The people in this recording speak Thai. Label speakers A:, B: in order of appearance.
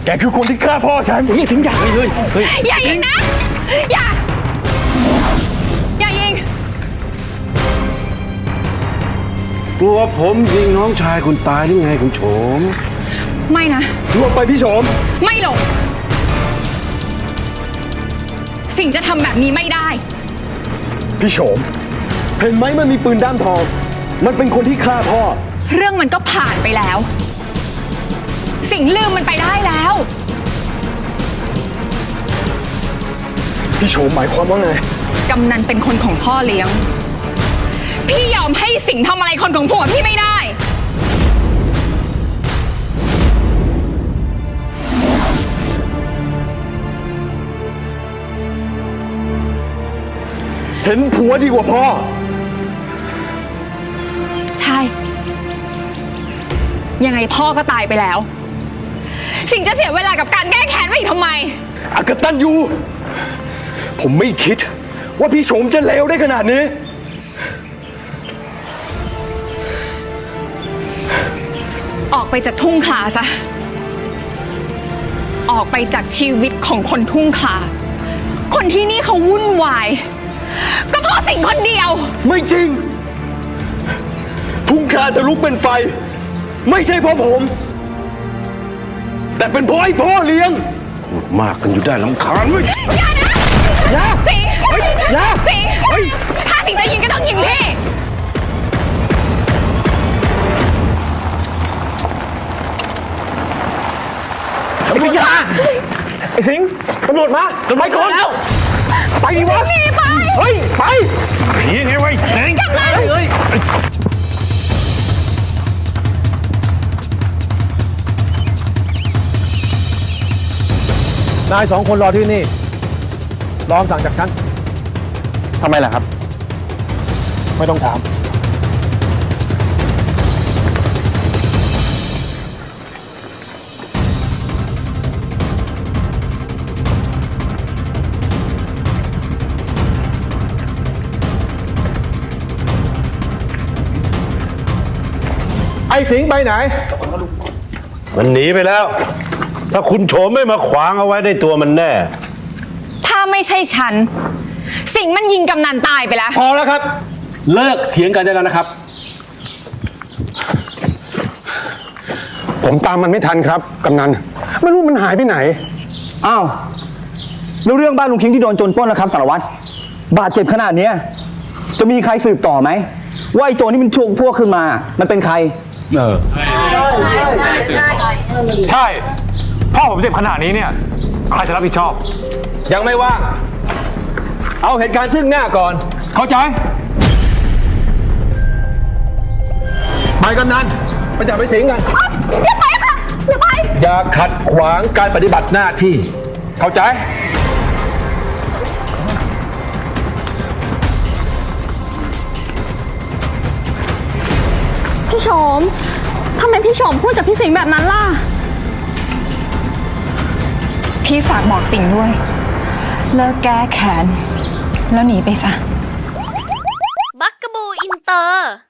A: แกคือคนที่ฆ่าพ่อฉันอย่าทิ้งอย่างเลย
B: อย่ายิงนะอย่ายิง
C: กลัวผมยิงน้องชายคุณตายหรือไงคุณโฉม
B: ไม่นะ
A: หลบไปพี่โฉม
B: ไม่หลบสิ่งจะทำแบบนี้ไม่ได้
A: พี่โฉมเห็นไหมมันมีปืนด้ามทองมันเป็นคนที่ฆ่าพ่อ
B: เรื่องมันก็ผ่านไปแล้วสิ่งลืมมันไปได้แล้ว
A: พี่โฉมหมายความว่าไง
B: กำนันเป็นคนของพ่อเลี้ยงพี่ยอมให้สิ่งทำอะไรคนของผัวพี่ไม่ได้
A: เห็นผัวดีกว่าพ่อ
B: ใช่ยังไงพ่อก็ตายไปแล้วสิ่งจะเสียเวลากับการแก้แค้นไว้อีกทำไม
A: อกตันยูผมไม่คิดว่าพี่โฉมจะเลวได้ขนาดนี้
B: ออกไปจากทุ่งคลาซะออกไปจากชีวิตของคนทุ่งคลาคนที่นี่เขาวุ่นวายก็เพราะสิ่งคนเดียว
A: ไม่จริงทุ่งคลาจะลุกเป็นไฟไม่ใช่เพราะผมแต่เป็นเพราะไอ้พ่อเลี้ยง
C: พูดมากกันอยู่ได้ลำคาญเว้ย
B: อย่านะสิงสิงถ้าสิงจะยิงก็ต้องยิงพี่
A: ตำรวจมาไอ้สิงตำรวจมาไปก่อนแล้วไปวะ
B: ไป
A: เฮ้ยไป
C: หนีไงไว้สิง
B: กำนัน
D: นาย2 คนรอที่นี่รอคำสั่งจากฉัน
A: ทำไมล่ะครับ
D: ไม่ต้องถามไอ้สิงห์ไปไหน
C: มันหนีไปแล้วถ้าคุณโฉมไม่มาขวางเอาไว้ได้ตัวมันแน่
B: ถ้าไม่ใช่ฉันสิ่งมันยิงกำนันตายไปแล้ว
D: พอแล้วครับเลิกเถียงกันได้แล้วนะครับ
A: ผมตามมันไม่ทันครับกำนันไม่รู้มันหายไปไหน
E: อ้าวแล้วเรื่องบ้านลุงคิงที่โดนโจรปล้นนะครับสารวัตรบาดเจ็บขนาดนี้จะมีใครสืบต่อไหมว่าไอ้โจรที่มันชงพวกขึ้นมามันเป็นใคร
D: ใช่พ่อผมเจ็บขนาดนี้เนี่ยใครจะรับผิดชอบยังไม่ว่างเอาเหตุการณ์ซึ่งหน้าก่อนเข้าใจไปกำนันไปจับไปสิงกัน
B: อย่าไปค่ะอย่าไป
D: อย่าขัดขวางการปฏิบัติหน้าที่เข้าใจ
B: พี่โฉมทำไมพี่โฉมพูดกับพี่สิงห์แบบนั้นล่ะพี่ฝากบอกสิงห์ด้วยเลิกแก้แค้นแล้วหนีไปซะ
F: บักกะบูอินเตอร์